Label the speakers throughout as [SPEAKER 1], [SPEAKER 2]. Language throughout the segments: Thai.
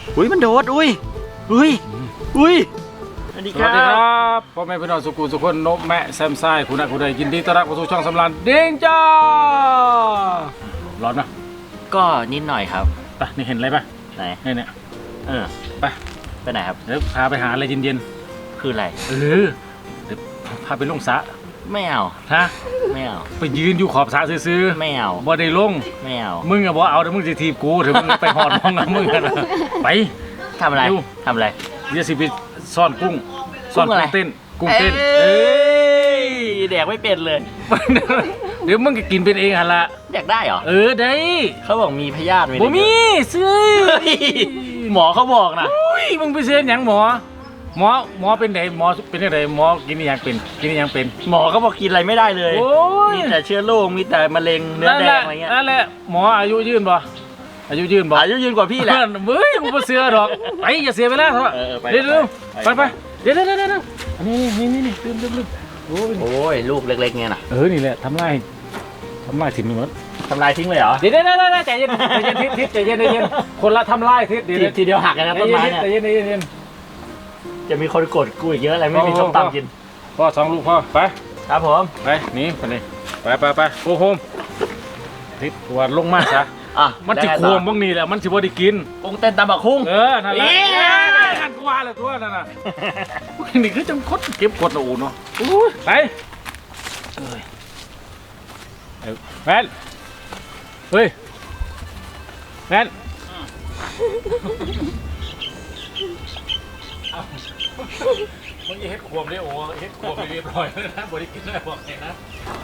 [SPEAKER 1] อุ้ยมันโดดอุ้ยสวัสดี
[SPEAKER 2] ส
[SPEAKER 1] ค
[SPEAKER 2] วั
[SPEAKER 1] รั
[SPEAKER 2] สดีครับ
[SPEAKER 1] บ
[SPEAKER 2] พ่อแม่พี่น้องสุขุมสุขคนนกแม่แซมไซคุณนักคุณใดยินดีต้อนรับเข้าสู่ช่องสำรานเด้งจ้าร้อนนะ
[SPEAKER 1] ก็นิดหน่อยครับ
[SPEAKER 2] ไปนี่เห็นอะไรปะ
[SPEAKER 1] ไหน
[SPEAKER 2] เนี่ยไป
[SPEAKER 1] ไปไหนครับ
[SPEAKER 2] เดี๋ยวพาไปหาอะไรเย็น
[SPEAKER 1] คืออะไร
[SPEAKER 2] ๆเดี๋ยวพาไปลงสระ
[SPEAKER 1] ไม่เอา
[SPEAKER 2] ฮะ
[SPEAKER 1] ไม่เอา
[SPEAKER 2] ไปยืนอยู่ขอบสระซื้อ
[SPEAKER 1] ไม่เอา
[SPEAKER 2] บ่ได้ลง
[SPEAKER 1] ไม่เอา
[SPEAKER 2] มึงอะบ่เอาเดี๋ยวมึงจะทีบกูเดี๋ยวมึงไปหอดมองกับมึงกันไป
[SPEAKER 1] ทำอะไร
[SPEAKER 2] ดู
[SPEAKER 1] ทำอะไร
[SPEAKER 2] เดี๋ยวสิไปซ่อนกุ้งซ่อน
[SPEAKER 1] กุ้งอะไร
[SPEAKER 2] กุ้งเต้น
[SPEAKER 1] เอ้ยแดกไม่เป็นเลย
[SPEAKER 2] เดี๋ยวมึงก็กินเป็นเองฮะละ
[SPEAKER 1] แดกได้เหรอ
[SPEAKER 2] ได้
[SPEAKER 1] เขาบอกมีพยาธิไหม
[SPEAKER 2] บ่มีซื้อ
[SPEAKER 1] เฮ้ยหมอเขาบอกนะ
[SPEAKER 2] อุ้ยมึงไปเซ็นหยังหมอเป็นไหนหมอเป็นยังไงหมอกินอหยังเป็น
[SPEAKER 1] หมอเขาบอกกินอะไรไม่ได้เลย
[SPEAKER 2] โอ้ย
[SPEAKER 1] มีแต่เชื้อโรคมีแต่มะเร็งเนื้อแดงอะไรเงี้ย
[SPEAKER 2] นั่นแหละหมออายุยืนบ่อายุยืนบ่
[SPEAKER 1] อายุยืนกว่าพี่แหละ
[SPEAKER 2] เฮ้ยมึงบ่เสือดอกไปอย่าเสียเวลาเถอะ
[SPEAKER 1] ไป
[SPEAKER 2] เดี๋ยว
[SPEAKER 1] ไป
[SPEAKER 2] ไปเดี๋ยวอันนี้นี่ลืมโอ้ย
[SPEAKER 1] โอ้ยลูกเล็กๆเนี่ยนะ
[SPEAKER 2] นี่แหละทำลายถิ่นมึงหมด
[SPEAKER 1] ทำลายทิ้งเลยเหรอ
[SPEAKER 2] เดี๋ยวใจเย็นทิศใจเย็นคนละทำลายทิศเดี๋ยว
[SPEAKER 1] ทีเดียวหักกันนะต้นไม้เนี่ย
[SPEAKER 2] ใจเย็น
[SPEAKER 1] จะมีคนกดกูอีกเยอะอะไรไม่มีส้มตำกิน
[SPEAKER 2] พ่อสองลูกพ่อไป
[SPEAKER 1] ครับผม
[SPEAKER 2] ไปหนีไปนี่ไปโอ้โหทิศตัวลงมาซะ
[SPEAKER 1] อ่ะ
[SPEAKER 2] มันสิควมบ้างนี่แหละมันสิบ่ได้กิน
[SPEAKER 1] กุ้งเต้นตำบักคุ้ง
[SPEAKER 2] นั่นแหละหันกว่าเลยตัวนั่นน่ะนี่คือจังคดเก็บกดอูเนาะไปแฟนเฮ้ยแฟนมึงอย่าเฮ็ดควมเลยโอ้เฮ็ดควมเรียบร้อยเลยนะบ่ได้กินได้บอกแค่นะ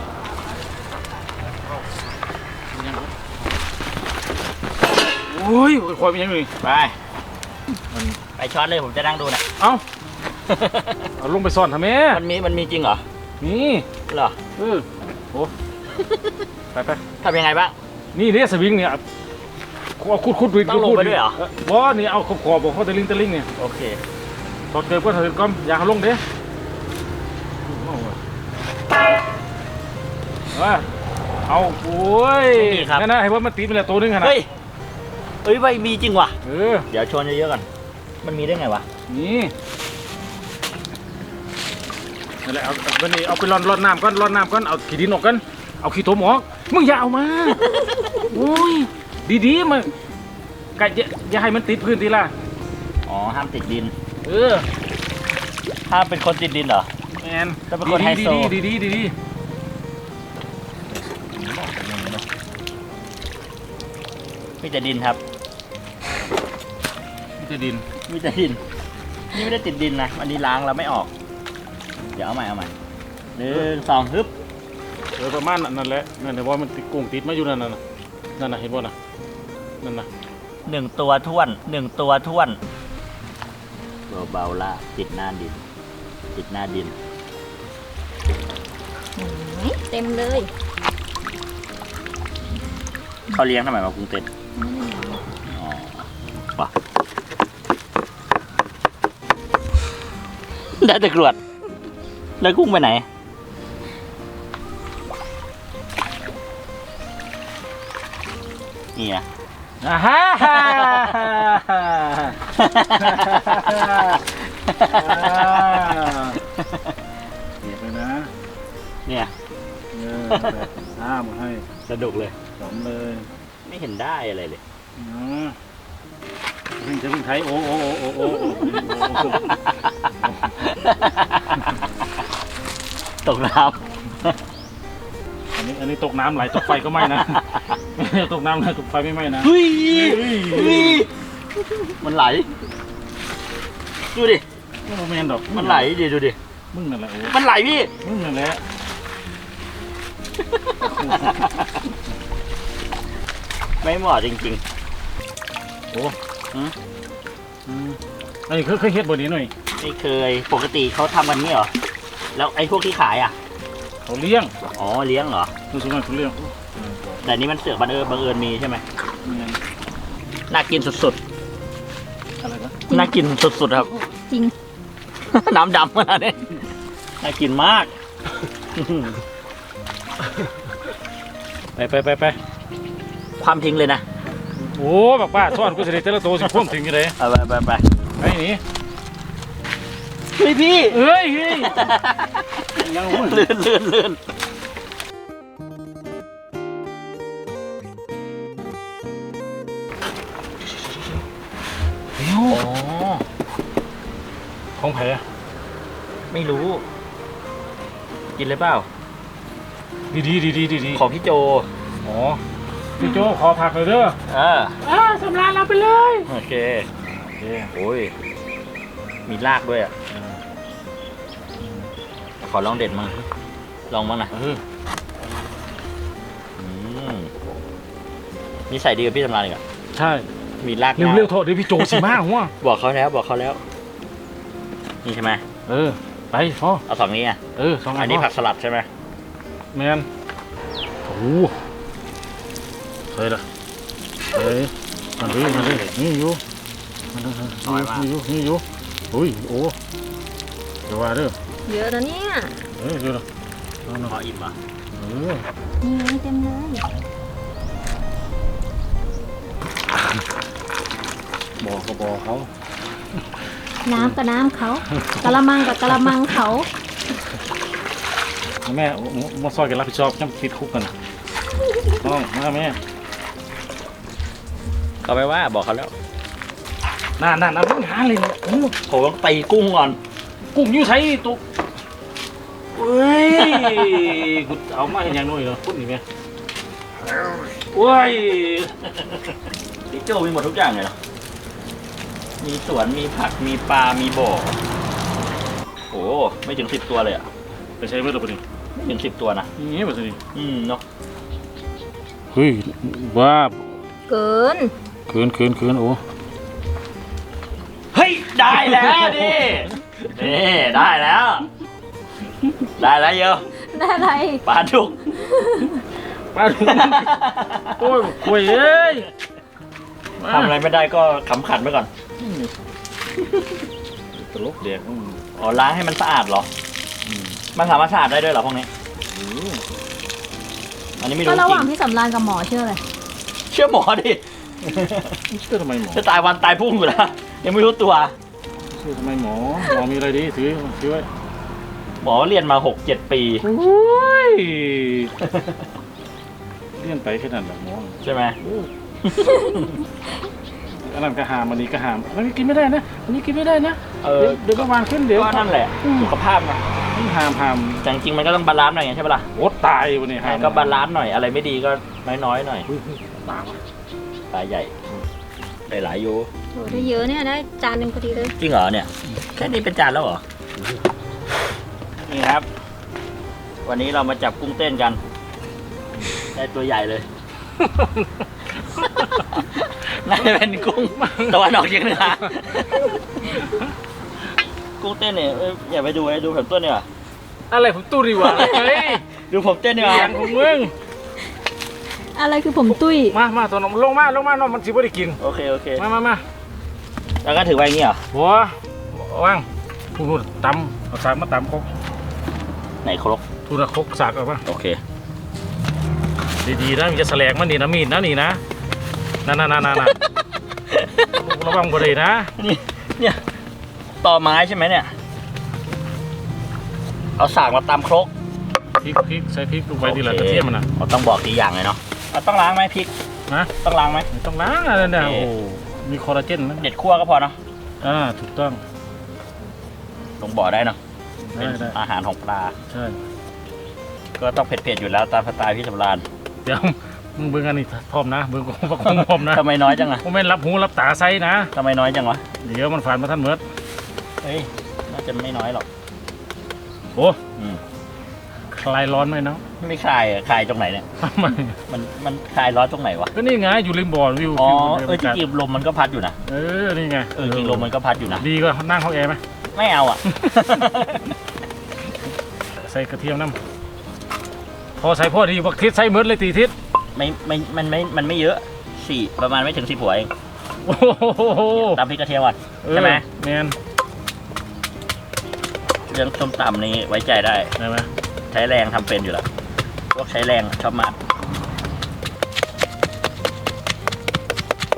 [SPEAKER 2] โอ้ยควายเป็นยังไง
[SPEAKER 1] ไปไปช็อตเลยผมจะนั่งดูนะ
[SPEAKER 2] เอาลงไปซ่อนทำไม
[SPEAKER 1] มันมีจริงเหรอ
[SPEAKER 2] นี่
[SPEAKER 1] เหรอ
[SPEAKER 2] โอ้ไป
[SPEAKER 1] ทำยังไงบ้าง
[SPEAKER 2] นี่เนี่ยสวิงเนี่ยเอาคุด
[SPEAKER 1] ต้องลงไปด้วยเหรอ
[SPEAKER 2] บ่นี่เอาขอบบอกเขาตะลิงเนี่ย
[SPEAKER 1] โอเค
[SPEAKER 2] ถอดเกิบก็ถอดก้อมอย่าเอาลงเด้เอาโอ้ยนั่นนะให้ว่ามันตีไปแล้วตัวนึงขนาด
[SPEAKER 1] เฮ้ยใบมีจริงว่ะ เดี๋ยวชนเยอะๆก่อนมันมีได้ไงวะ
[SPEAKER 2] นี่นั่นแหละเอาวันนี้เอาไปร่อนน้ำก่อนเอาขี้ดินออกกันเอาขี้โถมออกมึงอย่าเอามาโอ้ยดีมันกัดอย่าให้มันติดพื้นทีละ
[SPEAKER 1] อ๋อห้ามติดดิน
[SPEAKER 2] เออ
[SPEAKER 1] ห้ามเป็นคนติดดินเหรอ
[SPEAKER 2] แมน
[SPEAKER 1] ถ้าเป็นคนไฮโซ
[SPEAKER 2] ดี
[SPEAKER 1] มีแต่ดินครับ
[SPEAKER 2] นี่จะดิน
[SPEAKER 1] มีแต่ดินนี่ไม่ได้ติดดินนะอันนี้ล้างแล้วไม่ออกเดี๋ยวเอาใหม่1 2ฮึบ
[SPEAKER 2] ประมาณนั่นแหละนั่นแต่ว่ามันติดกุ้งติดมาอยู่นั่นน่ะเห็นบ่น่ะนั่นน่ะ
[SPEAKER 1] 1 ตัวท้วนเบาๆล่ะติดหน้าดิน
[SPEAKER 3] เต็มเลย
[SPEAKER 1] เขาเลี้ยงทำไมมากุ้งเต้นอ๋อปะได้แต่กรวดแล้วกุ้งไปไหนนี่อะ
[SPEAKER 2] ฮ่าเก็บเลยนะ
[SPEAKER 1] เนี่ย
[SPEAKER 2] หมดให้
[SPEAKER 1] สนุกเลย
[SPEAKER 2] สมเลย
[SPEAKER 1] ไม่เห็นได้อะไรเลย
[SPEAKER 2] จะพึ่งไทยโอ้
[SPEAKER 1] ตกน้
[SPEAKER 2] อันนี้ตกน้ำไหลตกไฟก็ไม่นะตกน้ำไหลตกไฟไม่ไหม้นะ
[SPEAKER 1] ำเฮ้ยมันไหลดูดิ
[SPEAKER 2] ไม่แม่นดอก
[SPEAKER 1] มันไหลดิดูดิ
[SPEAKER 2] มึงนั่นแหละโอ้
[SPEAKER 1] มันไหลพี่
[SPEAKER 2] มึงนั่นแหละ
[SPEAKER 1] ไม่เหมาะจริง
[SPEAKER 2] โอ้อันนี้เคยเฮ็ดบ่นี้หน่อย
[SPEAKER 1] ๆไม่เคยปกติเขาทำกันนี้เหรอแล้วไอ้พวกที่ขายอ่ะ
[SPEAKER 2] เขาเลี้ยง
[SPEAKER 1] อ๋อเลี้ยงเหรอ
[SPEAKER 2] คือส่วนมากเขาเลี้ยง
[SPEAKER 1] แต่นี้มันเสือกบังเอิญมีใช่ไหมน่ากินสุด
[SPEAKER 2] อะไรนะ
[SPEAKER 1] ๆน่ากินสุดๆครับ
[SPEAKER 3] จริง
[SPEAKER 1] น้ำดำขนาดนี้น่ากินมาก
[SPEAKER 2] ไป
[SPEAKER 1] ความทิ้งเลยนะ
[SPEAKER 2] โอ้บักป้าซ่อนกูสิได้แต่ละตัวสิพ่วงถึงอยู่เลย
[SPEAKER 1] เอาไป
[SPEAKER 2] ไอ้นี่
[SPEAKER 1] เฮ้ยพี่
[SPEAKER 2] เฮ้ยยัง
[SPEAKER 1] ลื่น
[SPEAKER 2] เดี๋ยว
[SPEAKER 1] อ๋อ
[SPEAKER 2] ของแผล
[SPEAKER 1] ไม่รู้ กินเลยเปล่า
[SPEAKER 2] ดี
[SPEAKER 1] ของพี่โจ
[SPEAKER 2] อ๋อพี่โจขอผักหน่อยเด้อ สำราญเราไปเลย
[SPEAKER 1] โอเคโอ้ยมีรากด้วยอ่ะขอลองเด็ดมั้งลองบ้างนะนี่ใส่ดีกับพี่สำราญอีกอ่ะ
[SPEAKER 2] ใช่
[SPEAKER 1] มีราก
[SPEAKER 2] เร็วๆโทษเดี๋ยวพี่โจสิมาหัว
[SPEAKER 1] บอกเขาแล้วนี่ใช่ไหม
[SPEAKER 2] ไปพ่อ
[SPEAKER 1] เอาสองนี้อ่ะ
[SPEAKER 2] สองอั
[SPEAKER 1] อั
[SPEAKER 2] น
[SPEAKER 1] นนี้ผักสลัดใช่ไหม
[SPEAKER 2] แมนโอ้เฮ้ยล่ะมาเลยนี่อยู่อุ้ยโอ้เดี๋ยวว่าเด้อ
[SPEAKER 3] เยอะแล้วเนี่ย
[SPEAKER 2] เดี๋ยว
[SPEAKER 1] ขออิ่มอ่ะ
[SPEAKER 3] นี่ไงเต็มเลย
[SPEAKER 2] บอกเขา
[SPEAKER 3] น้ำกับน้ำเขากะละมังกับกะละมังเขา
[SPEAKER 2] แม่มาซอยกันรับผิดชอบจำติดคุกกันน้องมาแม่
[SPEAKER 1] เขาไปว่าบอกเขาแล้ว
[SPEAKER 2] นั่นมึงหาเลยเนี่ย
[SPEAKER 1] ผมต้องตีกุ้งก่อน
[SPEAKER 2] กุ้งอยู่ใช้ตุ๊กเฮ้ยกูเอามาเห็นอย่างน้อยเนาะพูดนี่แม่โอ้ย
[SPEAKER 1] พี่โจมีหมดทุกอย่างเลยเหรอมีสวนมีผักมีปลามีบ่อโอ้ไม่ถึง10 ตัวเลยอ่ะ
[SPEAKER 2] ไปใช้เมื่อไหร่ปะนี่
[SPEAKER 1] ไม่ถึง10 ตัวนะ
[SPEAKER 2] นี่แบบนี้
[SPEAKER 1] เนาะ
[SPEAKER 2] เฮ้ยบ้า
[SPEAKER 3] เกิน
[SPEAKER 2] เกินโอ้
[SPEAKER 1] เฮ้ยได้แล้วดินี่ได้แล้วเยอะ
[SPEAKER 3] ได้อะไร
[SPEAKER 1] ปลาดุก
[SPEAKER 2] ป้าดูโอ้ยคุยเอ้ย
[SPEAKER 1] ทำอะไรไม่ได้ก็ขำขันไปก่อน
[SPEAKER 2] ตลกเด็ก
[SPEAKER 1] อ๋อล้างให้มันสะอาดเหรอมันสามารถสะอาดได้ด้วยเหรอพวกนี้อันนี้ไม่รู้
[SPEAKER 3] ก็
[SPEAKER 1] จ
[SPEAKER 3] ระห
[SPEAKER 1] ริ
[SPEAKER 3] ว่าง
[SPEAKER 1] ง
[SPEAKER 3] พี่สำรานกับหมอเชื่อเลย
[SPEAKER 1] เชื่อหมอดิ
[SPEAKER 2] เชื่อทำไมหมอ
[SPEAKER 1] จะตายวันตายพรุ่งอยู่แล้วยังไม่รู้ตัว
[SPEAKER 2] เชื่อทำไมหมอมีอะไรดีถือไว้
[SPEAKER 1] หมอเรียนมา 6-7 ปี
[SPEAKER 2] โอ้ยเลี่ยนไปแค่นั้นแหละหมอ
[SPEAKER 1] ใช่ไหม
[SPEAKER 2] อันนั้นก็หามอันนี้ก็หามอันนี้กินไม่ได้นะอันนี้กินไม่ได้นะ
[SPEAKER 1] เออ
[SPEAKER 2] เดี๋ยวประมาณขึ้นเดี๋ยว
[SPEAKER 1] ก็นั่นแหละสุขภาพนะ
[SPEAKER 2] หาม
[SPEAKER 1] แต่จริงๆมันก็ต้องบาลานซ์หน่อยไงใช่ปะล่ะ
[SPEAKER 2] โอ้ตายวันนี้หาม
[SPEAKER 1] ก็บาลานซ์หน่อยอะไรไม่ดีก็น้อยๆหน่อย
[SPEAKER 2] ตาย
[SPEAKER 1] ตายใหญ่ได้หลายอยู่
[SPEAKER 3] โอ้ได้เยอะเนี่ยได้จานหนึ่งพอดีเลย
[SPEAKER 1] จริงเหรอเนี่ยแค่นี้เป็นจานแล้วเหรอนี่ครับ วันนี้เรามาจับกุ้งเต้นกันได้ตัวใหญ่เลย น่าจะเป็นกุ้งตะวันออกเฉียงเหนือกุ้งเต้นเนี่ยอย่าไปดูเลยดูผมต้นเนี่ย
[SPEAKER 2] อะไรผมตู้ดีวะเฮ้ย
[SPEAKER 1] ดูผมเต้นเนี่ย
[SPEAKER 2] เสียงของมึง
[SPEAKER 3] อะไรคือผมตุ้ย
[SPEAKER 2] มาตัวน้องลงมาน้องมันสิบ่ได้กิน
[SPEAKER 1] โอเค
[SPEAKER 2] มา
[SPEAKER 1] แล้วก็ถือไว้อย่างนี้เหรอ
[SPEAKER 2] หัวว่างพูดตำเอาสากมาตำครก
[SPEAKER 1] ไหนครก
[SPEAKER 2] พูดครกสากเอาป่ะ
[SPEAKER 1] โอเค
[SPEAKER 2] ดีๆนะมันจะแสลงมันนี่นะมีดนะนี่นะนั่นระวังบ่ได้นะ
[SPEAKER 1] เนี่ยต่อไม้ใช่ไหมเนี่ยเอาสากมาตำครก
[SPEAKER 2] พริกใส่พริกลงไปดีละกระเทียมมันนะ
[SPEAKER 1] เราต้องบอกทีอย่างเลยเนาะต้องล้างไหมพริก
[SPEAKER 2] นะ
[SPEAKER 1] ต้องล้างไหม
[SPEAKER 2] ไม่ต้องล้างอะไรเนี่ย
[SPEAKER 1] โอเค
[SPEAKER 2] โอ้มีคอลลาเจนนะ
[SPEAKER 1] เด็ดคั่วก็พอเนาะ
[SPEAKER 2] ถูกต้อง
[SPEAKER 1] ลงบ่อได้เนาะเป็น
[SPEAKER 2] ได้
[SPEAKER 1] อาหารของปลา
[SPEAKER 2] ใช่
[SPEAKER 1] ก็ต้องเผ็ดๆอยู่แล้วตามสไตล์พี่สำราญ
[SPEAKER 2] เดี๋ยวมึงเบิ่งอันนี้พร้อมนะเบิ่งของพร้อมนะ
[SPEAKER 1] ทำไมน้อยจังอะ
[SPEAKER 2] ผมไม่นรับหูรับตาไซนะ
[SPEAKER 1] ทำไมน้อยจังวะ
[SPEAKER 2] เดี๋ยวมันฝานมาท่านเมิด
[SPEAKER 1] เฮ้ยน่าจะไม่น้อยหรอก
[SPEAKER 2] โอ้
[SPEAKER 1] อืม
[SPEAKER 2] คลายร้อนไหมเนาะ
[SPEAKER 1] ไม่คลายอะคลายตรงไหนเนี่ย
[SPEAKER 2] ทำไม
[SPEAKER 1] มันคลายร้อนตรงไหนวะ
[SPEAKER 2] ก็นี่ไงอยู่ริมบ่อวิว
[SPEAKER 1] อ๋อ
[SPEAKER 2] วิว
[SPEAKER 1] จริงๆลมมันก็พัดอยู่นะ
[SPEAKER 2] นี่ไง
[SPEAKER 1] จริงลมมันก็พัดอยู่นะ
[SPEAKER 2] ดีก็นั่งห้องแอร์ไหม
[SPEAKER 1] ไม่เอาอ่ะ
[SPEAKER 2] ใส่กระเทียมน้ำพอใส่พอดีบักทิศใส่เมิดเลยตีทิศ
[SPEAKER 1] มันไม่เยอะประมาณไม่ถึง10 หัวเอง
[SPEAKER 2] โอ้โห
[SPEAKER 1] ตำพริกกระเทียมก่อนใช่ไหม
[SPEAKER 2] แมน
[SPEAKER 1] เรื่องส้มตำนี้ไว้ใจได้
[SPEAKER 2] ใช่ไหม
[SPEAKER 1] ใช้แรงทำเป็นอยู่แล้วพวกใช้แรงชอบมาก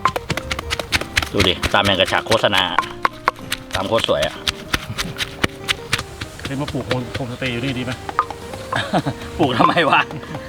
[SPEAKER 1] ดูดิตามอย่างกระฉากโฆษณาตามโคตรสวยอะ
[SPEAKER 2] เคยมาปลูกโฮมสเตย์อยู่นี่ดีไหม
[SPEAKER 1] ปลูกทำไมวะ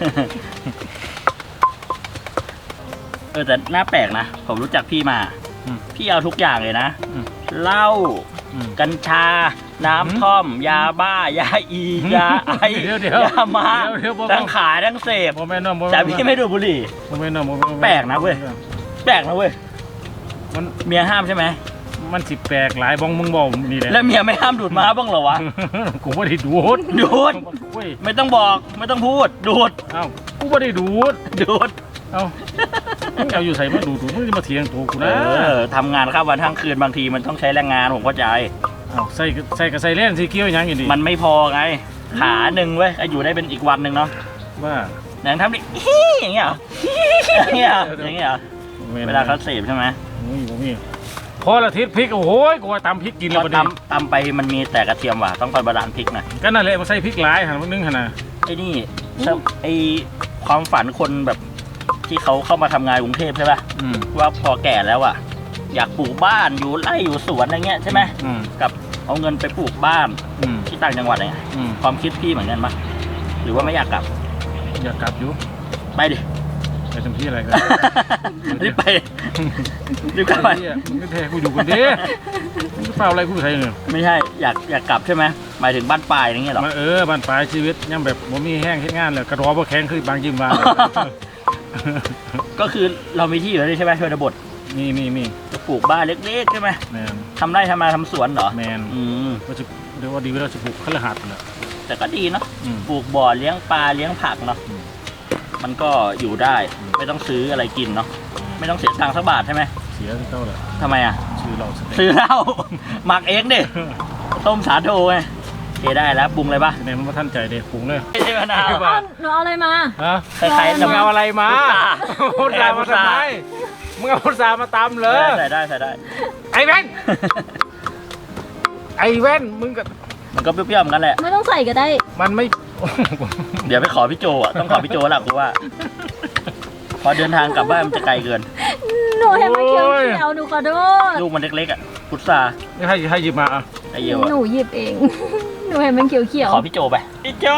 [SPEAKER 1] แต่หน้าแปลกนะ ผมรู้จักพี่มา พี่เอาทุกอย่างเลยนะ เหล้า กัญชา น้ำท่อม ยาบ้า ยาอี ยาไอ ยามาทั้งขายทั้งเสพ
[SPEAKER 2] โมเมนต์น้อง
[SPEAKER 1] แต่พี่ไม่ดูดบุหรี่
[SPEAKER 2] โมเมนต์น้อง
[SPEAKER 1] แปลกนะเว้ย แปลกนะเว้ย
[SPEAKER 2] มัน
[SPEAKER 1] เมียห้ามใช่ไหม
[SPEAKER 2] มันสิแปลกหลายบ้องมึงบอกนี่แหละ
[SPEAKER 1] แล้วเมียไม่ห้ามดูดม้าบ้างเหรอวะ
[SPEAKER 2] กูไม่ได้ดูด
[SPEAKER 1] ดูด
[SPEAKER 2] เว้ย
[SPEAKER 1] ไม่ต้องบอก ไม่ต้องพูด ดูด
[SPEAKER 2] เอ้ากูไม่ได้ดูด
[SPEAKER 1] ดูด
[SPEAKER 2] เอ้ามึงเอาอยู่ใส่มาดูมึงจะมาเถียงตัวกูนะ
[SPEAKER 1] ทำงานข้ามวันทั้งคืนบางทีมันต้องใช้แรงงานผมเข้าใจ
[SPEAKER 2] เอ้าใส่กับใส่เล่นสีเกี้ยวยังอย่างนี้
[SPEAKER 1] มันไม่พอไง ขาหนึ่งเว้ยอยู่ได้เป็นอีกวันหนึ่งเนาะ
[SPEAKER 2] ว่า
[SPEAKER 1] อย่างทำดิอย่างเงี้ยเหรออย่างเงี้ยเหรออย่างเงี้ยเหรอเวลาเขาเสพใช่ไหม
[SPEAKER 2] มีพอละทิศพริกโอ้โหกูว่าตำพริกกินแล้ว
[SPEAKER 1] พ
[SPEAKER 2] ประ
[SPEAKER 1] อ
[SPEAKER 2] เดี๋ยว
[SPEAKER 1] ตำไปมันมีแต่กระเทียมว่ะต้องไปบาลานซ์พริกหน่อย
[SPEAKER 2] ก็นั่นแหละมาใส่พริกหลายหันมานึ่งหันนะ
[SPEAKER 1] ไอ้นี่ไอ้ความฝันคนแบบที่เขาเข้ามาทำงานกรุงเทพใช่ป่ะว่าพอแก่แล้วอ่ะอยากปลูกบ้านอยู่ไร่อยู่สวนอะไรเงี้ยใช่ไหมกับเอาเงินไปปลูกบ้านที่ต่างจังหวัดอะไรเงี้ยความคิดพี่เหมือนกันปะหรือว่าไม่อยากกลับ
[SPEAKER 2] อยากกลับอยู่
[SPEAKER 1] ไปดิ
[SPEAKER 2] ไปทำที่อะไรกัน
[SPEAKER 1] รีบไปรีบกลับไป
[SPEAKER 2] มึงก็แท้กูอยู่กันดิมึงเปล่าอะไรกูใส่เนี่ย
[SPEAKER 1] ไม่ใช่อยากกลับใช่ไหมหมายถึงบ้านปลายอย่างเงี้ยหรอ
[SPEAKER 2] มาบ้านปลายชีวิตยังแบบบ่มีแห้งเฮ็ดงานเลยกระรอบ่แข็งคือบางยิมบาง
[SPEAKER 1] ก็คือเรามีที่อยู่แล้วใช่ไหมชนบท
[SPEAKER 2] มี
[SPEAKER 1] จะปลูกบ้านเล็กๆใช่ไหม
[SPEAKER 2] แมน
[SPEAKER 1] ทำไร่ทำนาทำสวนเหรอ
[SPEAKER 2] แมนก็จะเรียกว่าดีเวลาจะปลูกคฤหัสถ์แหละ
[SPEAKER 1] แต่ก็ดีเนาะปลูกบ่อเลี้ยงปลาเลี้ยงผักเนาะมันก็อยู่ได้ไม่ต้องซื้ออะไรกินเนาะไม่ต้องเสียตังค์สักบาทใช่ไหม
[SPEAKER 2] เสียที่เต้าแหละ
[SPEAKER 1] ทำไมอ่ะ
[SPEAKER 2] ชื่อเราสเต็ก
[SPEAKER 1] ซื้อเหล้า หมักเองดิต้มสาโทไงโอเคได้แล้วปรุงเลยปะ
[SPEAKER 2] เนี่ยมันมาท่านใจเด็กปรุงเลย
[SPEAKER 1] ไม่ใช่มะนาว
[SPEAKER 3] หนูเอาอะไรมา
[SPEAKER 2] ฮะ
[SPEAKER 1] คล้ายๆ
[SPEAKER 2] มึงเอาอะไรมา
[SPEAKER 1] พุ
[SPEAKER 2] พุ
[SPEAKER 1] ท
[SPEAKER 2] ท
[SPEAKER 1] รา
[SPEAKER 2] รามาทำไมมึงเอาพุทรามาตำเลย
[SPEAKER 1] ใส่ได้ใส่ได้
[SPEAKER 2] ไอ้แว่นไอ้แว่นมึงก็
[SPEAKER 1] มันก็เปรี้ยวๆเหมือนกันแหละ
[SPEAKER 3] ไม่ต้องใส่ก็ได้
[SPEAKER 2] มันไม่
[SPEAKER 1] เดี๋ยวไปขอพี่โจอ่ะต้องขอพี่โจแหละกูว่า พอเดินทางกลับบ้านมันจะไกลเกิน
[SPEAKER 3] หนูเห็นมันเขียวๆหนูขอโทษ
[SPEAKER 1] ลูกมันเล็กๆอ่ะพุทรา
[SPEAKER 2] นี่ให้หยิบมาอ่ะ
[SPEAKER 1] ไอเยี่ยว
[SPEAKER 3] หนูหยิบเอง หนูเห็นมันเขียว
[SPEAKER 1] ขอพี่โจไปพี่โจ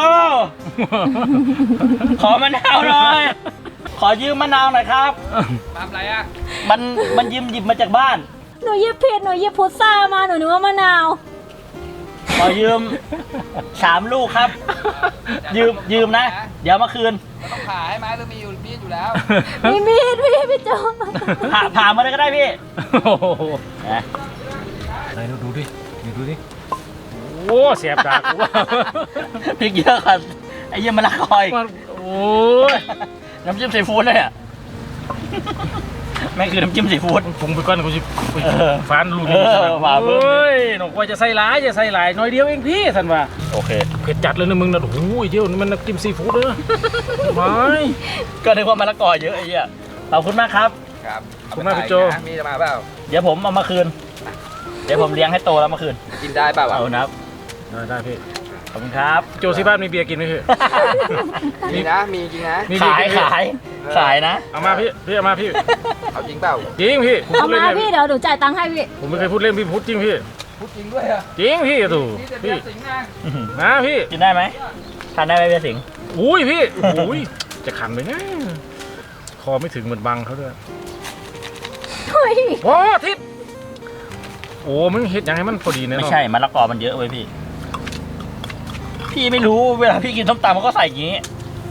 [SPEAKER 1] ขอมะนาวหน่อย ขอยืมมะนาวหน่อยครับทำอะไรอ่ะมันหยิบมาจากบ้าน
[SPEAKER 3] ๆหนูหยิบผิดหนูหยิบพุทรามาหนูนึกว่ามะนาว
[SPEAKER 1] ขอยืม3 ลูกครับ ยืมนะ เดี๋ยวมาคืน
[SPEAKER 4] ต้องผ่าให้ไหมหรือมีอยู่มีดอยู่แล้ว
[SPEAKER 3] มีมีดพี่โจ
[SPEAKER 1] ผ่ามาเลยก็ได้พี่
[SPEAKER 2] โอ้โห
[SPEAKER 1] นะ
[SPEAKER 2] ไหนดูดิดูดิโอ้เสียบดากกูว่า
[SPEAKER 1] พริกเยอะครับไอ้เยี่ยมะละกอย
[SPEAKER 2] โอ้ย
[SPEAKER 1] น้ำจิ้มซีฟู้ดเลยอ่ะแม่งคือน้ำจิ้มซีฟู้ด
[SPEAKER 2] ปรุงไปก่อนกูจะฟันลูก
[SPEAKER 1] ว่าเพิ่ม
[SPEAKER 2] เฮ้ยหนูว่าจะใส่หลายจะใส่หลายน้อยเดียวเองพี่สันว่า
[SPEAKER 1] โอเค
[SPEAKER 2] เผ็ดจัดเลยนะมึงนะโอ้โหเดี๋ยวนี่มันน้ำจิ้มซีฟู้ดเลยไม่
[SPEAKER 1] ก็นึกว่ามะละกอเยอะไอ้เหี้ยขอบคุณมากครับ
[SPEAKER 4] ครับ
[SPEAKER 2] ขอบคุณมากพี่โจ
[SPEAKER 4] มีจะมาเปล่า
[SPEAKER 1] เดี๋ยวผมเอามาคืน เดี๋ยวผมเลี้ยงให้โตแล้วมาคืน
[SPEAKER 4] กินได้เปล่าวะ
[SPEAKER 1] เอานะครับ
[SPEAKER 2] ได้พี่
[SPEAKER 1] ขอบคุณครับ
[SPEAKER 2] โจที่บ้านมีเบียร์กินไหมพี่
[SPEAKER 4] มีนะ มีจริงนะ
[SPEAKER 2] มีเบียร์
[SPEAKER 1] ขาย
[SPEAKER 2] กินไหม
[SPEAKER 1] ขายนะ
[SPEAKER 2] เอามาพี่เอามาพี่
[SPEAKER 4] เอาจริงเปล่า
[SPEAKER 2] จริงพี่ผม
[SPEAKER 3] เอา
[SPEAKER 2] พูด
[SPEAKER 3] มา
[SPEAKER 2] เล่น
[SPEAKER 3] พี่เดี๋ยวหนูจ่ายตังค์ให้พี่
[SPEAKER 2] ผมไม่เคยพูดเล่นพี่พูดจริงพี่
[SPEAKER 4] พูดจริงด้วยเหรอ
[SPEAKER 2] จริงพี่ถูก
[SPEAKER 4] นี่จะเบี
[SPEAKER 2] พี่
[SPEAKER 4] ยร์สิงห์นะ
[SPEAKER 2] นะพี่
[SPEAKER 1] กินได้ไหมทานได้ไหมเบียร์สิงห์
[SPEAKER 2] อุ้ยพี่อุ้ยจะขันไปไงคอไม่ถึงเหมือนบังเขาด้วย
[SPEAKER 3] เฮ้ย
[SPEAKER 2] โอ้ทิศโอ้มึงเห็ดยังให้มันพอดีเนี่ย
[SPEAKER 1] ไม่ใช่มะละกอมันเยอะเว้ยพี่ พี่ไม่รู้เวลาพี่กินส้มตำเขาก็ใส่อย่างนี้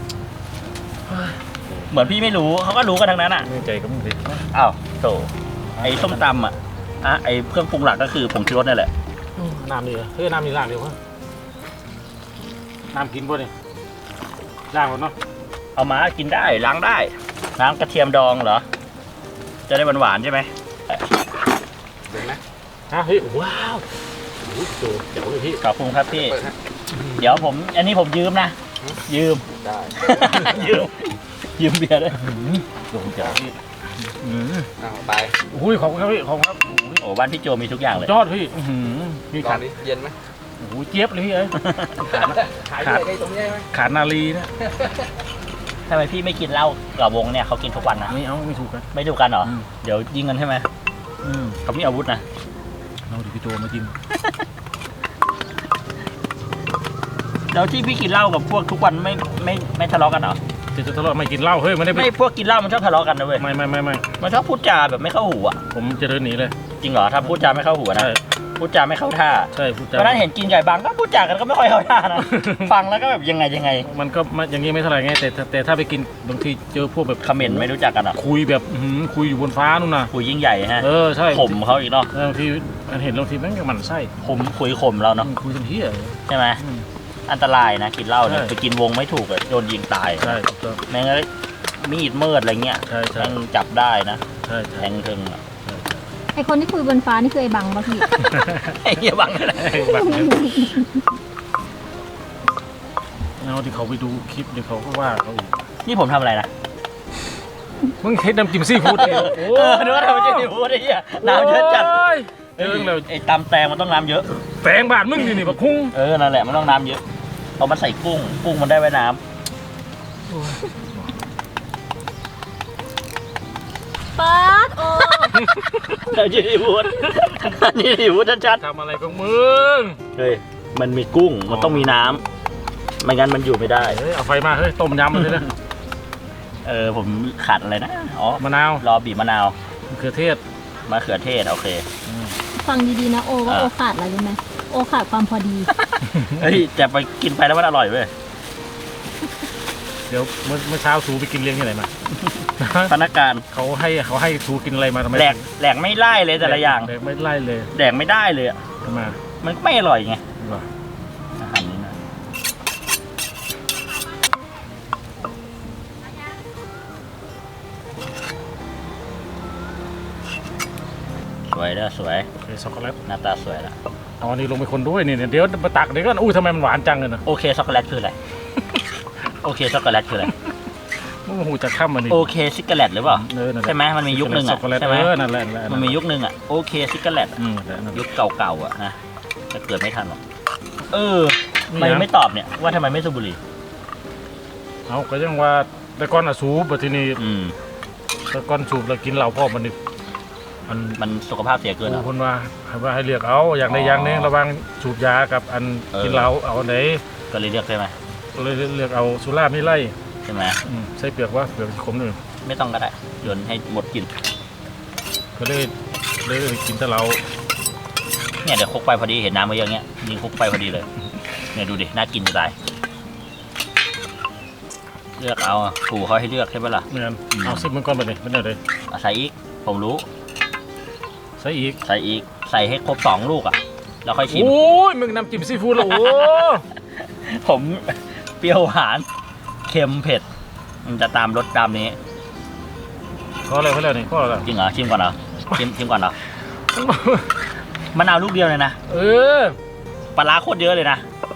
[SPEAKER 1] เหมือนพี่ไม่รู้เขาก็รู้กันทั้งนั้นอ่ะ
[SPEAKER 2] ไม่ใจก็มึงดิ
[SPEAKER 1] อ้าวโถไอ้ส้มตำอ่ะไอ้เครื่องปรุงหลักก็คือผงชูรสนี่แหละ
[SPEAKER 2] น้ำดีเหรอเฮ้ยน้ำนี่ล้างเดียวครับน้ำกินบ่เนี่ยล้างหมดเนาะ
[SPEAKER 1] เอามากินได้ล้างได้น้ำกระเทียมดองเหรอ จะได้หวานๆใช่ไหม
[SPEAKER 4] เห็นไหม
[SPEAKER 2] ฮะเฮ้ยว้าวโอ้โหโจเดี๋ยวเลยพี่
[SPEAKER 1] ขอบคุณครับพี่
[SPEAKER 4] เปิดฮะ
[SPEAKER 1] เดี๋ยวผมอันนี้ผมยืมนะ ยืม
[SPEAKER 4] ได้
[SPEAKER 1] ยืมเบียร์ด้วย
[SPEAKER 2] โดนจ๋าพี่
[SPEAKER 4] เอาไป
[SPEAKER 2] อุ้ยขอบคุณครับพี่ขอบคุณครับ
[SPEAKER 1] โอ้บ้านพี่โจมีทุกอย่างเลย
[SPEAKER 2] ยอดพี่มี
[SPEAKER 4] ลอ
[SPEAKER 2] ขาง ด
[SPEAKER 4] ดิเย็นไหม
[SPEAKER 2] โอ้โหเจี๊ยบเลยพี่เอ้ย
[SPEAKER 4] ขายด้วยไอ้ตรงนี้ไหม
[SPEAKER 2] ขาดนาลีนะ
[SPEAKER 1] ทำไมพี่ไม่กินเหล้ากับวงเนี่ยเขากินทุกวันนะ
[SPEAKER 2] ไม่เอาไม่ถูกกัน
[SPEAKER 1] ไม่ดูกันเหรอ
[SPEAKER 2] อืม
[SPEAKER 1] เดี๋ยวยิงกันใช่ไหมเขามีอาวุธนะ
[SPEAKER 2] เอาดิพี่โจมากิน
[SPEAKER 1] แล้วที่พี่กินเหล้ากับพวกทุกวันไม่ทะเลาะกันเหรอ
[SPEAKER 2] จะทะเลาะไม่กินเหล้าเฮ้ยไม่ได้
[SPEAKER 1] ไม่พวกกินเหล้ามันชอบทะเลาะกันนะเว้ย
[SPEAKER 2] ไม่
[SPEAKER 1] มันชอบพูดจาแบบไม่เข้าหูอ่ะ
[SPEAKER 2] ผมจะเดินหนีเลย
[SPEAKER 1] จริงเหรอถ้าพูดจาไม่เข้าหูนะ
[SPEAKER 2] ใช่
[SPEAKER 1] พูดจาไม่เข้าท่า
[SPEAKER 2] ใช่พูดจา
[SPEAKER 1] เพราะนั้นเห็นกินไก่บางก็พูดจากันก็ไม่ค่อยเข้าท่านะ ฟังแล้วก็แบบยังไง
[SPEAKER 2] มันก็อย่างนี้ไม่เท่าไหร่ไงแต่ถ้าไปกินบางทีเจอพวกแบบ
[SPEAKER 1] คอมเมนต์ไม่รู้จักกันเหรอ
[SPEAKER 2] คุยแบบคุยอยู่บนฟ้านู่นน่ะ
[SPEAKER 1] คุยยิ่งใหญ่ฮะ
[SPEAKER 2] ใช่
[SPEAKER 1] ข่มเขาอีกเนาะ
[SPEAKER 2] บางทีมันเห็นบางทีแม่งก็หมันไส้
[SPEAKER 1] คุยข่มเราเนาะ
[SPEAKER 2] คุยจนเหี้ย
[SPEAKER 1] ใช่ไหมอันตรายนะกินเหล้าเนี่ย
[SPEAKER 2] ใช่
[SPEAKER 1] ไปกินวงไม่ถูกอะโดนยิงตาย
[SPEAKER 2] ใช่ถูกต้อง
[SPEAKER 1] แม่งก็มีดมืดอะไรเงี้ย
[SPEAKER 2] ใช่
[SPEAKER 1] แม่งจับได้นะ
[SPEAKER 2] ใช่
[SPEAKER 1] แทงถึงอะ
[SPEAKER 3] ไอคนที่คุยบนฟ้านี่คือไอบังป่ะพี่
[SPEAKER 1] ไอ้เหี้ยบังเลย
[SPEAKER 2] แบบนี้เอาที่เขาไปดูคลิปเดี๋ยวเขาก็ว่าเขาอีก
[SPEAKER 1] นี่ผมทำอะไรนะ
[SPEAKER 2] มึงเฮ็ดน้ำจิ้มซีฟู้ดเนี่ย
[SPEAKER 1] นึกว่าทำมันจะดีพูดไอ้เหี้ยน้ำเยอะจัด
[SPEAKER 2] เรื่องเรา
[SPEAKER 1] ไอ้ตำแตงมันต้องน้ำเยอะ
[SPEAKER 2] แปลงบาทมึงนี่บักคุ้ง
[SPEAKER 1] นั่นแหละมันต้องน้ำเยอะเอามันใส่กุ้งมันได้ไว้น้ำ
[SPEAKER 3] ป๊าดโอ
[SPEAKER 1] นี่ดีพูดนี่ดีพูดชัด
[SPEAKER 2] ทำอะไรของมึง
[SPEAKER 1] ๆเฮ้ยมันมีกุ้งมันต้องมีน้ำไม่งั้นมันอยู่ไม่ได้
[SPEAKER 2] เฮ้ยเอาไฟมาเฮ้ยต้มยำมันเลยนะ
[SPEAKER 1] ผมขาดอะไรนะอ๋อ
[SPEAKER 2] มะนาว
[SPEAKER 1] รอบีบมะนาว
[SPEAKER 2] มะเขือเทศ
[SPEAKER 1] มะเขือเทศโอเค
[SPEAKER 3] ฟังดีๆนะโอว่าโอขาดอะไรรู้ไหมโอขาดความพอดี
[SPEAKER 1] เฮ้ยแต่ไปกินไปแล้วมันอร่อยเว้ย
[SPEAKER 2] เดี๋ยวเมื่อเช้าสูไปกินเลี้ยงที่ไหนมา
[SPEAKER 1] พนักงาน
[SPEAKER 2] เขาให้สูกินอะไรมาทำไม
[SPEAKER 1] แหลกไม่ไล่เลยแต่ละอย่าง
[SPEAKER 2] แหลกไม่ไล่เลย
[SPEAKER 1] แดกไม่ได้เลยอะ
[SPEAKER 2] ทำไม
[SPEAKER 1] มันก็ไม่อร่อยไง
[SPEAKER 2] วะ
[SPEAKER 1] อาหารนี้นะสวยเด้อสวย
[SPEAKER 2] โอเคช็อกโกแลต
[SPEAKER 1] หน้าตาสวยละ
[SPEAKER 2] เอาอันนี้ลงไปคนด้วยนี่เดี๋ยวมาตักเดี๋ยวก็อุ้ยทำไมมันหวานจังเลยนะ
[SPEAKER 1] โอเคช็อกโกแลตคืออะไร โอเคช็อกโกแลตคืออะไร
[SPEAKER 2] มึงหูจะข้ามมันนี่
[SPEAKER 1] โอเคซิกเกอร์แลตหรือเปล่า
[SPEAKER 2] นั่นแหละ
[SPEAKER 1] ใช่ไหมมันมียุคหนึ่ง
[SPEAKER 2] ช็
[SPEAKER 1] อ่ะ
[SPEAKER 2] อกโกแลต
[SPEAKER 1] ใช่ไหม
[SPEAKER 2] นั่นแหละ
[SPEAKER 1] มันมียุคหนึ่งอ่ะโอเคซิกเกอร์แลต
[SPEAKER 2] นั่นแหละ
[SPEAKER 1] ยุคเก่าๆอ่ะนะจะเกิดไม่ทันหรอกทำไม
[SPEAKER 2] นี่นะ
[SPEAKER 1] ไม่ตอบเนี่ยว่าทำไมไม่สูบบุหรี่
[SPEAKER 2] เอาก็ยังว่าแต่ก่อนอะสูบแต่ทีนี้ แต่ก่อนสูบแล้วกินเหล้าพ่อมันนี่
[SPEAKER 1] มันสุขภาพเสียเกินเหรอ
[SPEAKER 2] คนว่าให้เลือกเอาอย่างใดอย่างหนึงระหว่างสูบยากับอันกินเหล้าเอาอันไหน
[SPEAKER 1] ก็เลยเลือกใช่ไหม
[SPEAKER 2] เลยเลือกเอาสุราไม่ไล่
[SPEAKER 1] ใช่ไหม
[SPEAKER 2] ใส่เปลือกว่าเปลือกขมหนึ่ง
[SPEAKER 1] ไม่ต้องก็ได้โยนให้หมดกิน
[SPEAKER 2] ก็เลยกินแต่เหล้า
[SPEAKER 1] เนี่ยเดี๋ยวคลุกไปพอดีเห็นน้ำมาเยอะเงี้ยยิงคลุกไปพอดีเลยเนี่ยดูดิน่ากินจะตายเลือกเอาถูเขาให้เลือกใช่ไหมล่ะ
[SPEAKER 2] เหมือนเอาซิปมันก่อนไปเลยเป็นอะไร
[SPEAKER 1] ใส่อีกผมรู้
[SPEAKER 2] ใส่อีก
[SPEAKER 1] ใส่อีกใส่ให้ครบ2 ลูกอ่ะแล้วค่อยชิม
[SPEAKER 2] โอ้ยมึงน้ำจิ้มซีฟู้ดแล้วโอ้
[SPEAKER 1] ผมเปรี้ยวหวานเค็มเผ็ดมันจะตามรสตามนี้
[SPEAKER 2] ข้ออะไรข้ออะไรนี่ข้ออะไร
[SPEAKER 1] จริงเหรอชิมก่อนเหรอชิมก่อนเหรอมะนาวลูกเดียวเลยนะ
[SPEAKER 2] เออ
[SPEAKER 1] ปลาร้าโคตรเยอะเลยนะ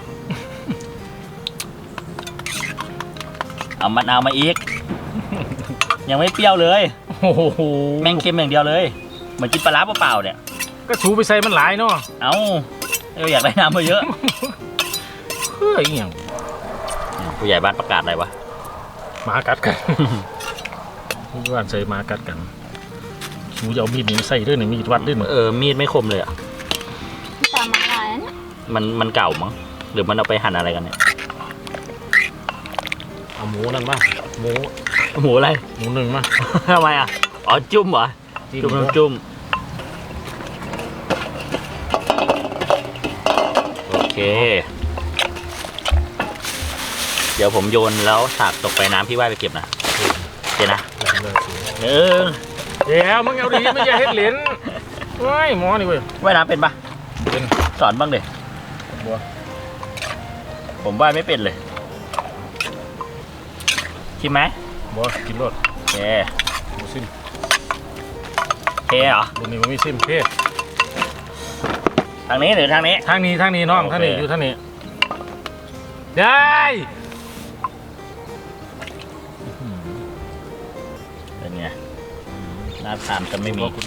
[SPEAKER 1] เอามะนาวมาอีก ยังไม่เปรี้ยวเลย
[SPEAKER 2] โอ้โห
[SPEAKER 1] แม่งเค็มอย่างเดียวเลยเหมือนกินปลาร้าเปล่าๆเนี่ย
[SPEAKER 2] ก็สูไปใส่มันหลายเนาะ
[SPEAKER 1] เอ้าอยากได้น้ำมาเยอะ
[SPEAKER 2] เฮ้ยอหย่าง
[SPEAKER 1] ผู้ใหญ่บ้านประกาศอะไรวะ
[SPEAKER 2] หมากัดกันผู้บ้านใส่หมากัดกันสูจะเอามีดนี่มาใส่ด้วยหนึ่งมีดวัดด้วยหนึ่ง
[SPEAKER 1] มีดไม่คมเลยอ่ะ
[SPEAKER 3] ตามมาลายเนี่ย
[SPEAKER 1] มันเก่ามั้งหรือมันเอาไปหั่นอะไรกันเนี่ย
[SPEAKER 2] เอาหมูนั่นมาหมู
[SPEAKER 1] หมูอะไร
[SPEAKER 2] หมูหนึ่งมา
[SPEAKER 1] ทำไมอ่ะอ๋อจุ่มเหรอจุ่มน้ำจุ่มโอเค เดี๋ยวผมโยนแล้วสากตกไปน้ำพี่ว่ายไปเก็บนะเดี๋ยวนะเออ
[SPEAKER 2] เดี๋ยวมึงเอาดีไม่ใช่เฮ็ดเหรียญเว้ยหมอนี่เว้ย
[SPEAKER 1] ว่ายน้ำเป็นปะ
[SPEAKER 2] เป็น
[SPEAKER 1] สอนบ้างเด็
[SPEAKER 2] บัว
[SPEAKER 1] ผมว่ายไม่เป็นเลยชิมไหม
[SPEAKER 2] บัวกินรส
[SPEAKER 1] โอเค
[SPEAKER 2] หมูซิม
[SPEAKER 1] เทเหรอ
[SPEAKER 2] รุ่นนี้มันมีซิมเพ่
[SPEAKER 1] ทางนี้หรือทางนี้
[SPEAKER 2] ทางนี้น้อง
[SPEAKER 1] โอเค
[SPEAKER 2] ทางนี้อยู่ทางนี้ได้
[SPEAKER 1] เป็นไงหน้าทานจะไม่มี
[SPEAKER 2] บอกกู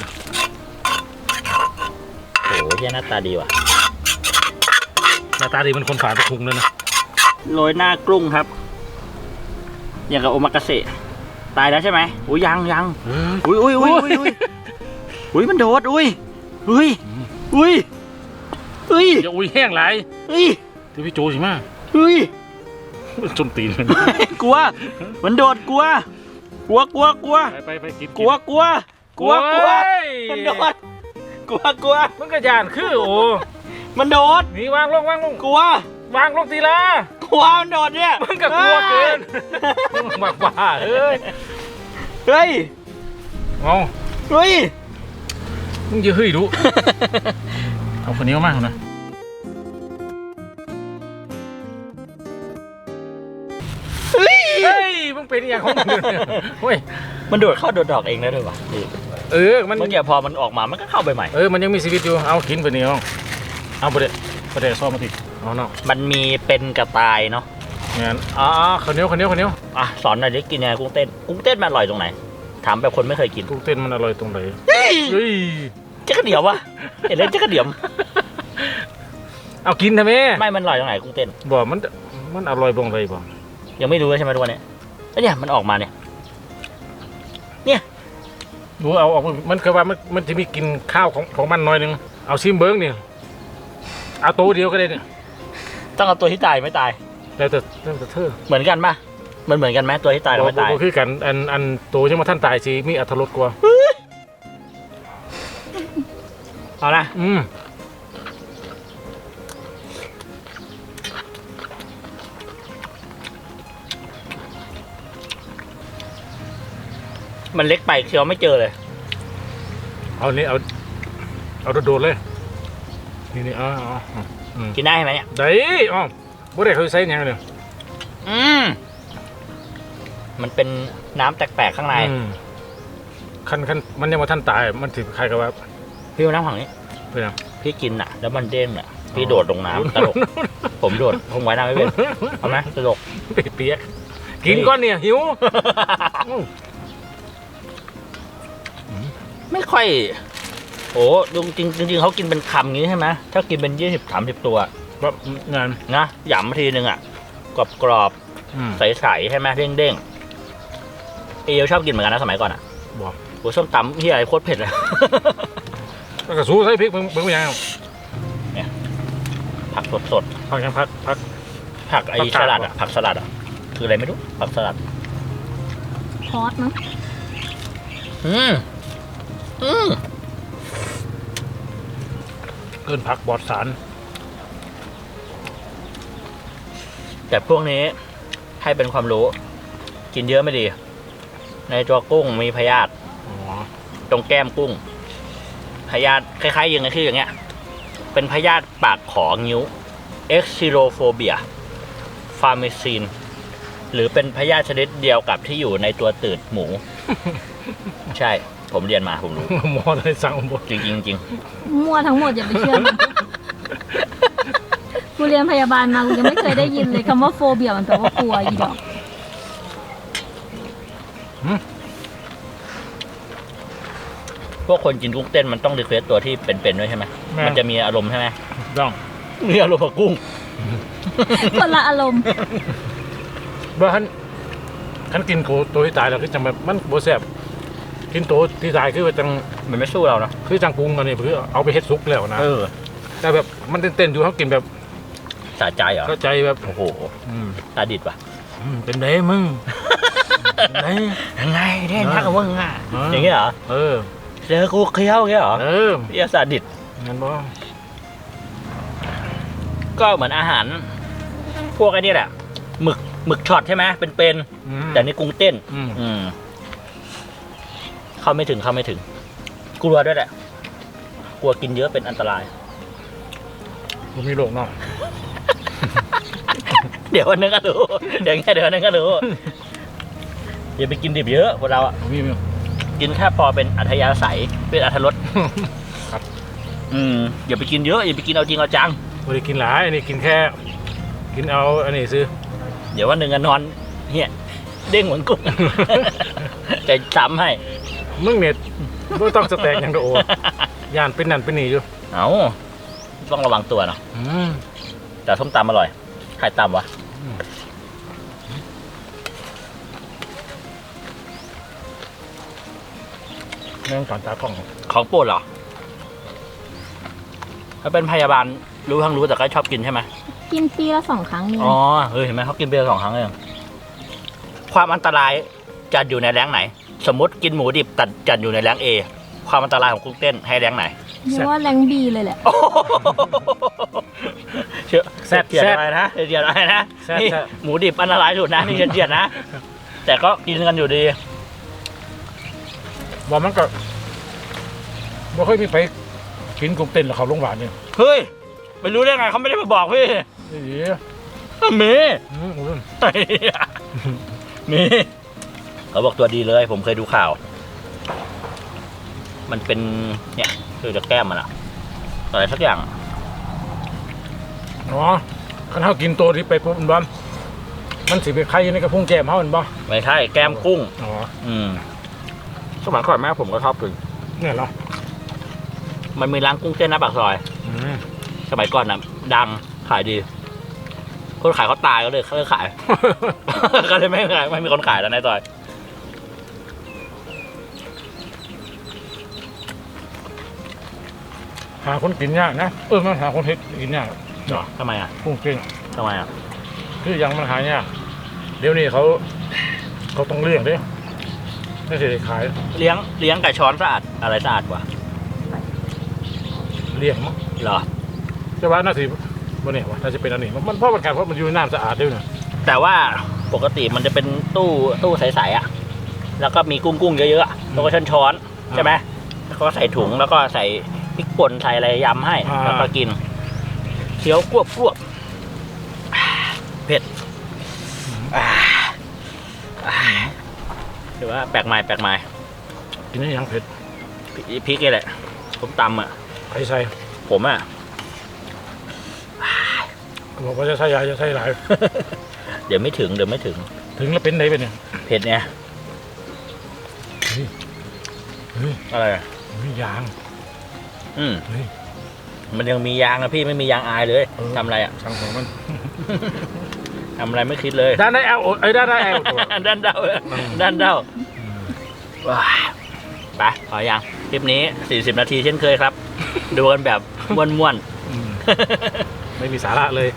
[SPEAKER 1] โอ้โหเหี้ยหน้าตาดีว่ะ
[SPEAKER 2] หน้าตาดีมันคนฝาตะคุงเลยนะ
[SPEAKER 1] โรยหน้ากรุ้งครับ อย่างกับโอมากาเสะตายแล้วใช่ไหมอุ้ยยัง
[SPEAKER 2] เฮ้ย
[SPEAKER 1] อุ้ยอุ้ยมันโดดอุ้ยอุ้ยอุ้ยอุ้ย
[SPEAKER 2] อย่าอุ้ยแห้งไหล
[SPEAKER 1] อุ้ย
[SPEAKER 2] ที่พี่โจสิมา
[SPEAKER 1] อุ้ย
[SPEAKER 2] จนตีน
[SPEAKER 1] กลัวมันโดดกลัวกลัวกลัวกลัว
[SPEAKER 2] ไปกิน
[SPEAKER 1] กลัวกลัวกลัวกลัวมันโดดกลัวกลัว
[SPEAKER 2] มันก็ยานคือโอ้
[SPEAKER 1] มันโดด
[SPEAKER 2] นี่วางลง
[SPEAKER 1] กลัว
[SPEAKER 2] วางลงทีละ
[SPEAKER 1] กลัวมันโดดเนี่ย
[SPEAKER 2] มันก็กลัวเกินบ้าบ้าเฮ้ย
[SPEAKER 1] เฮ้ย
[SPEAKER 2] เอา
[SPEAKER 1] เฮ้ย
[SPEAKER 2] มึงจะเฮ้ยดู เอาคนนี้มากนะเฮ้ยมึงเป็นอย่างของมึงเฮ้ย
[SPEAKER 1] มันโดดเข้าโดดดอกเองได้ด้วยวะ
[SPEAKER 2] มัน
[SPEAKER 1] เมื่อกี้พอมันออกมามันก็เข้าไปใหม่
[SPEAKER 2] มันยังมีชีวิตอยู่เอากินไปนี่เอาไปเด็ดซ่อมมาทีเอาเนาะ
[SPEAKER 1] มันมีเป็นกระต่ายเนาะ
[SPEAKER 2] งั้นข้าวเหนียว
[SPEAKER 1] อ่ะสอนหน่อยดิกินยังไงกุ้งเต้นมันอร่อยตรงไหนถามแบบคนไม่เคยกิน
[SPEAKER 2] กุ้งเต้นมันอร่อยตรงไหน
[SPEAKER 1] เฮ้ยเจ๊กระเดี่ยววะเห็นแล้วเจ๊กระเดี่ยว
[SPEAKER 2] เอากินทำไม
[SPEAKER 1] ไม่มันอร่อยตรงไหนกุ้งเต้น
[SPEAKER 2] บ่มันอร่อยตรงไหนบ่
[SPEAKER 1] ยังไม่รู้ใช่ไหมทุกวันนี้แล้วเนี่ยมันออกมาเนี่ย
[SPEAKER 2] ดูเอาออกมันคือว่ามันจะมีกินข้าวของมันหน่อยนึงเอาซิมเบิ้งนี่เอาตัวเดียวก็ได้เนี่ย
[SPEAKER 1] ต้องเอาตัวที่ตายไม่ตาย
[SPEAKER 2] แล้วแต่เธอ
[SPEAKER 1] เหมือนกันปะมันเหมือนกันไหมตัวที่ตายกับไม่ตาย
[SPEAKER 2] บ่คือกันอันตัวยังมาท่านตายสิมีอรรถรสกว่า
[SPEAKER 1] เอานะ มันเล็กไปเคี้ยวไม่เจอเลย
[SPEAKER 2] เอานี่เอาโดดเลยนี่
[SPEAKER 1] กินได้ไหมเนี่ย
[SPEAKER 2] ได้บ่ได้เขาใส่ยังเลย
[SPEAKER 1] มันเป็นน้ำแปลกๆข้างใน
[SPEAKER 2] คันมันยังมาท่านตายมันถือใครกับว่า
[SPEAKER 1] พี่เอาน้ำของนี้
[SPEAKER 2] เป็นยัง
[SPEAKER 1] พี่กินอ่ะ แล้วมันเด้งอ่ะพี่โดดลงน้ำตลกผมโดดผมไว้น้ำไม่เป็นเอาไหมตลก
[SPEAKER 2] เปียกกินก้อนเนี่ยหิว
[SPEAKER 1] ไม่ค่อยโอ้จริงเขากินเป็นคำงี้ใช่ไหมถ้ากินเป็น20-30 ตัว
[SPEAKER 2] แบบงาน
[SPEAKER 1] นะหยำมาทีนึงอ่ะกรอบใสๆใช่ไหมเด้งๆเอลชอบกินเหมือนกันนะสมัยก่อนอ่ะ
[SPEAKER 2] บอก
[SPEAKER 1] โอ้ส้มตำที่อะไรโคตรเผ็ดเลย
[SPEAKER 2] แล้วก็สู้ใส่พริกมึงเป็นยัง
[SPEAKER 1] ผักสด
[SPEAKER 2] พักยังพัก
[SPEAKER 1] ๆผักไอ้สลัดอ่ะผักสลัดอ่ะคืออะไรไม่รู้ผักสลัด
[SPEAKER 3] พอดมั้ง
[SPEAKER 2] เกินผักบอดสาร
[SPEAKER 1] แต่พวกนี้ให้เป็นความรู้กินเยอะไม่ดี ในตัวกุ้งมีพยาธิตรงแก้มกุ้งพยาธิคล้ายๆอย่างที่อย่างเงี้ยเป็นพยาธิปากของิ้ว Excirophobia Pharmacine หรือเป็นพยาธิชนิดเดียวกับที่อยู่ในตัวตืดหมู ใช่ผมเรียนมาผมรู้
[SPEAKER 2] หมอได้สั่งหมด
[SPEAKER 1] จริงๆจริง
[SPEAKER 3] มั่วทั้งหมดอย่าไปเชื่อมันกูเรียนพยาบาลมากูยังไม่เคยได้ยินเลยคำว่าโฟเบียมันแปลว่ากลัวอีดอก
[SPEAKER 1] พวกคนกินกุ้งเต้นมันต้องรีเควสตัวที่เป็นๆด้วยใช่ไหมมันจะมีอารมณ์ใช่ไหม
[SPEAKER 2] ต้อง
[SPEAKER 1] มีอารมณ์กับกุ้ง
[SPEAKER 3] คนละอารมณ์
[SPEAKER 2] บ้านขันกินตัวที่ตายแล้วคือจังแบบมันโบแซ่บกินตัวที่ตายคือจัง
[SPEAKER 1] มันไม่สู้เราเนาะ
[SPEAKER 2] คือจังปรุงอันนี้คือเอาไปเฮ็ดซุกแล้วนะแต่แบบมันเต้นๆอยู่เขากินแบบ
[SPEAKER 1] สะใจเหรอ
[SPEAKER 2] เข้าใจแบบ
[SPEAKER 1] โอ้โหตาดิดว่ะ
[SPEAKER 2] เป็นไงมึง
[SPEAKER 1] ยังไงเด่นทักกับมึงอ่ะอย่างเงี้ยเหรอเจอกูเคี้ยวอย่างเงี้ยเหรอเรียกสาดิด
[SPEAKER 2] งั้นบ่
[SPEAKER 1] ก็เหมือนอาหาร พวกไอ้นี่แหละหมึกช็อตใช่ไหมเป็นแต่นี่กุ้งเต้นเข้าไม่ถึงกลัวด้วยแหละกลัวกินเยอะเป็นอันตราย
[SPEAKER 2] ผมมีโรคเนาะ
[SPEAKER 1] เดี๋ยววันนึงก็รู้เดี๋ยววันนึงก็รู้อย่าไปกินดิบเยอะพวกเราอ่ะ
[SPEAKER 2] มี
[SPEAKER 1] กินแค่พอเป็นอัธยาศัยเป็นอรรถรส
[SPEAKER 2] ครับ
[SPEAKER 1] อย่าไปกินเยอะอย่าไปกินเอาจริงเอาจัง
[SPEAKER 2] ไม่ได้กินหลายอันนี้กินแค่กินเอาอันนี้ซื้อ
[SPEAKER 1] เดี๋ยววันหนึ่งก็นอนเฮียเด้งเหมือนกุ้ง จะซ้ำให้
[SPEAKER 2] มึงเนี่ยไม่ต้องสแต็กอย่างเดียวย่านเป็นนั่นเป็นนี่อยู่
[SPEAKER 1] เอาต้องระวังตัวเนาะแต่ส้มตำอร่อยใครตำวะ
[SPEAKER 2] เรื่องสอนตากล้อง
[SPEAKER 1] ของโปรดเหรอถ้าเป็นพยาบาลรู้ทั้งรู้แต่ก็ชอบกินใช่ไหม
[SPEAKER 3] กินปีละ2 ครั้งนี่
[SPEAKER 1] อ๋อเห็นไหมเขากินเบียร์2 ครั้งเองความอันตรายจัดอยู่ในแรงไหน สมมติกินหมูดิบจัดอยู่ในแรง A ความอันตรายของกุ้งเต้นให้แรงไหน
[SPEAKER 3] เรียกว่าแรงบีเลยแหละ
[SPEAKER 1] เชื่อแซ่บเจียดอะไรนะเจียดอะไรนะนี่หมูดิบอันตรายสุดนะนี่เจียดนะแต่ก็กินกันอยู่ดี
[SPEAKER 2] บอกมันก็ไม่ค่อยมีไปกินกุ้งเต้นหรอกเขาโรงพยาบาลเนี่ย
[SPEAKER 1] เฮ้ยไปรู้ได้ไงเขาไม่ได้มาบอกพี่
[SPEAKER 2] นี่
[SPEAKER 1] มี
[SPEAKER 2] อุ้ย
[SPEAKER 1] มีเขาบอกตัวดีเลยผมเคยดูข่าว มันเป็นเนี่ยคือจะแก้มมันอะอะไรสักอย่าง
[SPEAKER 2] อ๋อคันเขากินตัวที่ไปปุ๊บมันบ้ามันสิไปไข่ในกระพุ้งแก้มเขามันบ้า
[SPEAKER 1] ไม่ใช่แก้มกุ้ง
[SPEAKER 2] อ๋อ
[SPEAKER 1] สมัยก่อนแม่ผมก็ชอบกิน
[SPEAKER 2] เนี่ยเหรอ
[SPEAKER 1] มันมีร้านกุ้งเต้นหน้าปากซอย สมัยก่อนน่ะดังขายดี คนขายเขาตายก็เลยเขาเลยขาย ก็เลยไม่มีคนขายแล้วในซอย
[SPEAKER 2] หาคนกินยากนะมันหาคนเฮ็ดกินยาก
[SPEAKER 1] เหรอทำไมอ่ะ
[SPEAKER 2] กุ้งเต้น
[SPEAKER 1] ทำไมอ่ะ
[SPEAKER 2] คือยังมันหายากเดี๋ยวนี้เขาต้องเลี้ยงเด้ไม่ใช่ขาย
[SPEAKER 1] เลี้ยงไก่ช้อนสะอาดอะไรสะอาดกว่า
[SPEAKER 2] เลี้ยงมั้ง
[SPEAKER 1] เหรอ
[SPEAKER 2] จะว่าน่าสิบ่เนี่ยวะน่าจะเป็นอันนี้มันเพราะมันการเพราะมันอยู่ในน้ำสะอาดด้วยนะ
[SPEAKER 1] แต่ว่าปกติมันจะเป็นตู้ใสๆอ่ะ แล้วก็มีกุ้งเยอะๆอะแล้วก็ช้อนๆใช่ไหมแล้วก็ใส่ถุงแล้วก็ใส่พริกป่นใส่อะไรยำให้แล้วก็กินเคี้ยวกรวบเผ็ดหรือว่าแปลกใหม่
[SPEAKER 2] กินได้ยังเผ็ด
[SPEAKER 1] พริกนี่แหละผมตำอ่ะ
[SPEAKER 2] ใครใส่
[SPEAKER 1] ผมอ่ะ
[SPEAKER 2] บอกว่าจะใส่ยาจะใส่หลาย
[SPEAKER 1] เดี๋ยวไม่ถึง
[SPEAKER 2] ถึงแล้วเป็นไหนเป็นเนี่ย
[SPEAKER 1] เผ็ดเนี่ย
[SPEAKER 2] เฮ้ย
[SPEAKER 1] อะไรอ่ะ
[SPEAKER 2] มียาง เฮ้ย
[SPEAKER 1] มันยังมียางนะพี่ไม่มียางอายเลยทำอะไรอ่ะ
[SPEAKER 2] ช่างของมัน
[SPEAKER 1] ทำอะไรไม่คิดเลย
[SPEAKER 2] ด้านได้แอลด้านได้แอลตัว
[SPEAKER 1] ด้านเดาว้าไปขอยังคลิปนี้40 นาทีเช่นเคยครับ ดูกันแบบม่วน
[SPEAKER 2] ไม่มีสาระเลย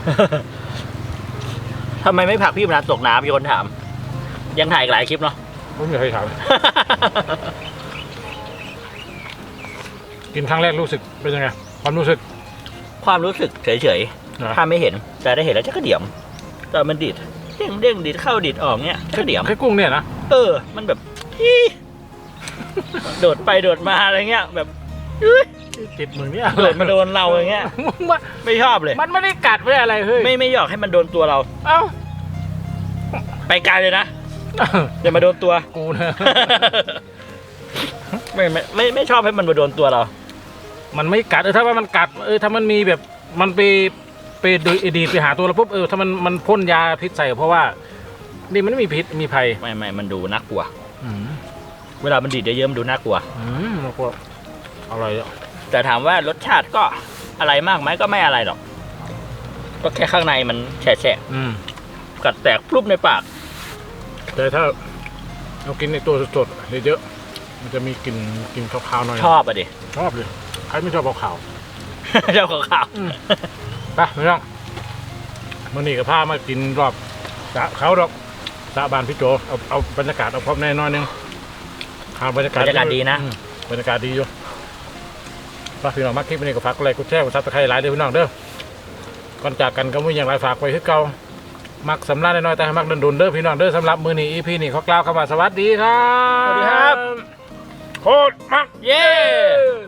[SPEAKER 1] ๆทำไมไม่ผลักพี่มนัสตกน้ำมีคนถาม ยังถ่ายอีกหลายคลิปเนาะ
[SPEAKER 2] ไม่มีใครถามกินครั้งแรกรู้สึกเป็นยังไงความรู้สึก
[SPEAKER 1] ความรู้สึกเฉยๆถ้าไม่เห็นแต่ได้เห็นแล้วจะกระเดี่ยมแต่มันดิดเด้งดิดเข้าดิดออกเนี้ยกระเดี่ยม
[SPEAKER 2] แค่กุ้งเนี่ยนะ
[SPEAKER 1] มันแบบอีโดดไปโดดมาอะไรเงี้ยแบบ
[SPEAKER 2] ติดมือเนี่ย
[SPEAKER 1] โดดมาโดนเราอย่างเงี้ยไม่ชอบเลย
[SPEAKER 2] มันไม่ได้กัดไม่ได้อะไรเฮ้ย
[SPEAKER 1] ไม่อยากให้มันโดนตัวเรา
[SPEAKER 2] เอ้า
[SPEAKER 1] ไปไกลเลยนะอย่ามาโดนตัว
[SPEAKER 2] กูนะ
[SPEAKER 1] ไม่ชอบให้มันมาโดนตัวเรา
[SPEAKER 2] มันไม่กัดถ้าว่ามันกัดถ้ามันมีแบบมันไปดูดีไปหาตัวเราปุ๊บถ้ามันพ่นยาพิษใส่เพราะว่านี่มันไม่มีพิษมีภัย
[SPEAKER 1] ไม่มันดูน่ากลัวเวลามันดีดเยอะๆมันดูน่ากลัว
[SPEAKER 2] น่ากลัวอร่อยอ่ะ
[SPEAKER 1] แต่ถามว่ารสชาติก็อะไรมากไหมก็ไม่อะไรหรอก ก็แค่ข้างในมันแฉะกัดแตกพรุบในปาก
[SPEAKER 2] แต่ถ้าเรากินในตัวสดๆเยอะๆมันจะมีกลิ่นคาวๆหน่อย
[SPEAKER 1] ชอบอ่ะดิ
[SPEAKER 2] ชอบเลยใครไม่ชอบขาว
[SPEAKER 1] ชอบขาว
[SPEAKER 2] ๆไปไม่ต้องมันนี่กับผ้ามากินรอบสะเขาดอกสะบานพี่โจเอาบรรยากาศเอาพร้อมแน่นอนนึงบรรยากาศดีนะบรรยากาศดีอยู่ฝากพี่น้องมาคลิปนี้ก็ฝากกดไลค์กดแชร์กดซับสไครต์หลายเด้อพี่น้องเด้อก่อนจากกันก็มีอย่างไรฝากไว้คือเก่ามักสำลักน้อยๆแต่ให้มักดุนๆเด้อพี่น้องเด้อสำหรับมื้อนี้ EP นี้ขอกล่าวคำว่าสวัสดีครับ
[SPEAKER 1] สวัสดีครับ
[SPEAKER 2] โคตรมัก
[SPEAKER 1] เย้